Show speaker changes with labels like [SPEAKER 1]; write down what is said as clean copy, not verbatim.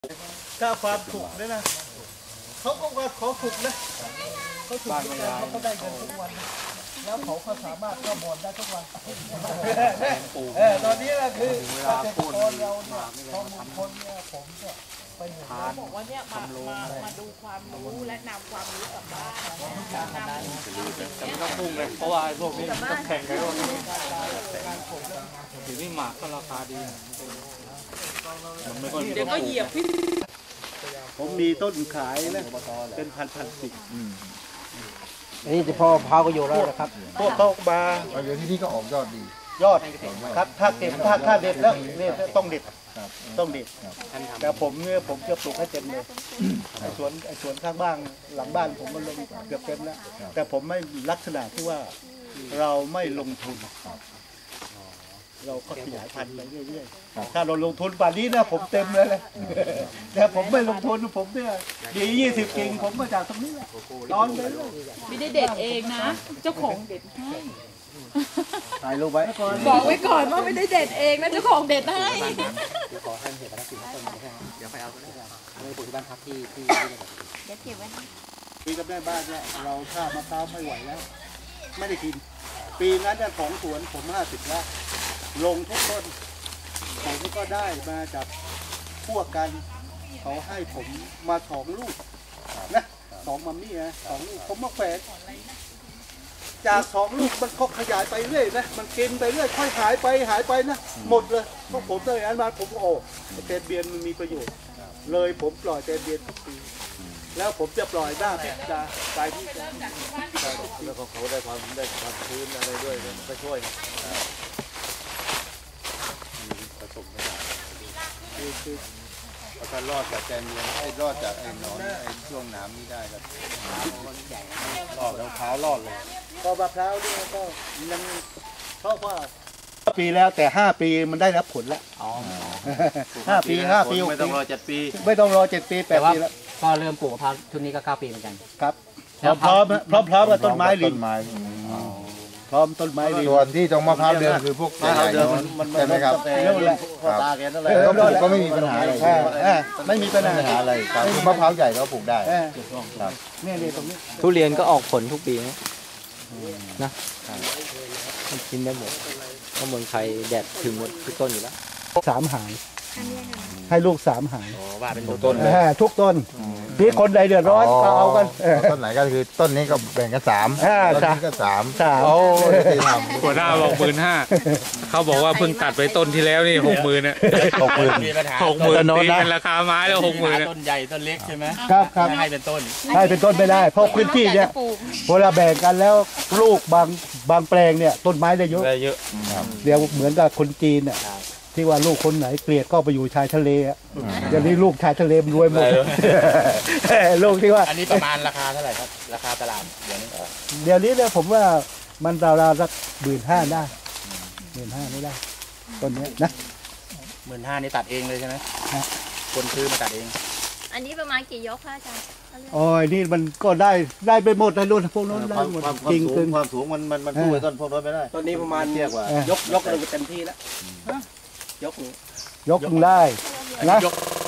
[SPEAKER 1] กล้าความถูกด้วยนะเขาก็ว่าขอถูกนะเขาถูกเขาก็ได้เงินทุกวันแล้วเขาสามารถเข้าบอลได้ทุกวันตอนนี้นะคือเกษตรกรเราเนี่ยพอมงคลเนี่ยผมก็ไปเห็น
[SPEAKER 2] บอกว่าเนี่ยมาดูความรู้และนำความรู้กลับบ้านแต่ไม่ต้องพุ่งเลยเพราะว่าพวกนี้ต้องแข่งกันด้วยถึงนี่หมากก็ราคาดีเดี๋ยวก็เหยียบพี่
[SPEAKER 1] ผมมีต้นขายนะเป็นพันสิบ
[SPEAKER 3] นี่จะพอพาวก็อยู่แล้วนะครับ
[SPEAKER 1] พวกเขามา
[SPEAKER 4] เดี๋ยวที่นี่ก็ออกยอดดี
[SPEAKER 1] ยอดครับถ้าเก็บถ้าเด็ดแล้วนี่ต้องเด็ดต้องเด็ดแต่ผมเนี่ยผมจะปลูกให้เต็มเลยสวนข้างบ้านหลังบ้านผมมันลงเกือบเต็มแล้วแต่ผมไม่ลักษณะที่ว่าเราไม่ลงทุนเราก็ขยายพันธุ์ไปเรื่อยๆถ้าเราลงทุนป่านนี้นะผมเต็มเลยแต่ผมไม่ลงทุนผมเนี่ยดี20 กิ่งผมมาจากตรงนี้แหละนอนไปเลย
[SPEAKER 2] ไม่ได้เด็ดเองนะเจ้าของเด็ดให้
[SPEAKER 1] ถ่ายรูปไว้
[SPEAKER 2] บอกไว้ก่อนว่าไม่ได้เด็ดเองนะเจ้าของเด็ดให้
[SPEAKER 3] ขอให้เห็นพนักงานเดี๋ยวไปเอาไม่ได้ปลูกที่บ้านพักที่
[SPEAKER 2] เดี๋ยวเก็บไว้
[SPEAKER 1] ปีกับแม่บ้านเนี่ยเราข้าวมะพร้าวไม่ไหวแล้วไม่ได้กินปีนั้นเนี่ยของสวนผม50แล้วลงทุกต้นผมก็ได้มาจากพวกกันเขาให้ผมมา2 ลูกนะ2 มัมมี่นะ2 ลูกผมมาแขวนจาก2 ลูกมันก็ขยายไปเรื่อยนะมันกินไปเรื่อยค่อยหายไปนะหมดเลยพวกผมตั้งแต่นั้นมาผมโอ้เตนเบียนมันมีประโยชน์เลยผมปล่อยเตนเบียนทุกปีแล้วผมจะปล่อยหน้าพิจารณาที่
[SPEAKER 4] แล้วเขาได้ความชื้นอะไรด้วยก็ช่วยผสมไม่ได้คือถ้ารอดจากแกนเนียนให้รอดจากไอ้หนอนไอ้ช่วงน้ำนี้ได้ก็รอดแล้วเท้ารอดเลย
[SPEAKER 1] ก็มะพร้าวนี่ก็ยังเพราะว่าปีแล้วแต่5 ปีมันได้รับผลแล้ว5 ปี
[SPEAKER 4] ไม่ต้องรอ7 ปี
[SPEAKER 1] ไม่ต้องรอ7 ปี8 ปีแล้ว
[SPEAKER 3] ก็เริ่มปลูกมะพร้าวชุดนี้ก็9 ปีเหมือนกัน
[SPEAKER 1] ครับพร้อมกับต้นไม้ลิงพร้อมต้นไม้ลิง
[SPEAKER 4] ส่วนที่ตรงมะพร้าวเดิมคือพวกใหญ่ๆใช่ไหมครับ
[SPEAKER 1] นั่นแหละ
[SPEAKER 4] ตาแกนั่นแหละก็ไม่มีปัญหาอะไร
[SPEAKER 1] ไม่มีปัญหา
[SPEAKER 4] อะไรครับมะพร้าวใหญ่ก็ปลูกได้
[SPEAKER 1] ครับนี่ตรงนี้
[SPEAKER 3] ทุเรียนก็ออกผลทุกปีนะกินได้หมดก็เมืองไทยแดดถึงหมดทุกต้นอยู่แล้ว
[SPEAKER 1] 3 หายให้ลูก3 หาย
[SPEAKER 3] ว่าเป็น
[SPEAKER 1] ทุกต้นที่คนใดเดือดร้อนก็เอากัน
[SPEAKER 4] ต้นไหนก็คือต้นนี้ก็แบ่งกัน3ต้นนี้ก็3
[SPEAKER 1] โอ้
[SPEAKER 5] หัวหน้าบอก15,000เขาบอกว่าเพิ่งตัดไปต้นที่แล้วนี่60,000เนี่ย
[SPEAKER 3] มีปัญหา
[SPEAKER 5] 60,000ตีเป็นราคาไม้แล้ว60,000
[SPEAKER 3] ต้นใหญ่ต้นเล็กใช่ไหม
[SPEAKER 1] ครับ
[SPEAKER 3] ให้เป็นต้น
[SPEAKER 1] ไม่ได้เพราะพื้นที่เนี่ยเวลาแบ่งกันแล้วลูกบางแปลงเนี่ยต้นไม้ได้เยอะเดี๋ยวเหมือนกับคนจีนเนี่ยที่ว่าลูกคนไหนเกลียดก็ไปอยู่ชายทะเลอ่ะเดี๋ยวนี้ลูกชายทะเลมันรวยหมดลูกที่ว่า
[SPEAKER 3] อันนี้ประมาณราคาเท่าไหร่ครับราคาตลาดเดี๋ยว
[SPEAKER 1] นี้เนี่ยผมว่ามันราวๆสัก15,000ได้15,000ไม่ได้ต้นนี้นะ
[SPEAKER 3] 15,000นี่ตัดเองเลยใช่ไหมคนซื้อมาตัดเอง
[SPEAKER 2] อันนี้ประมาณกี่ยกคะอาจารย์
[SPEAKER 1] โอ้ยนี่มันก็ได้ไปหมดเลยรุ่นพวกนั้นได้หมด
[SPEAKER 4] จริงความสูงมันสู้ต้นพวกนั้นไม่ได้
[SPEAKER 3] ต้นนี้ประมาณเทียบว่ายกเลยเต็มที่แล้ว
[SPEAKER 1] ยกได้นะ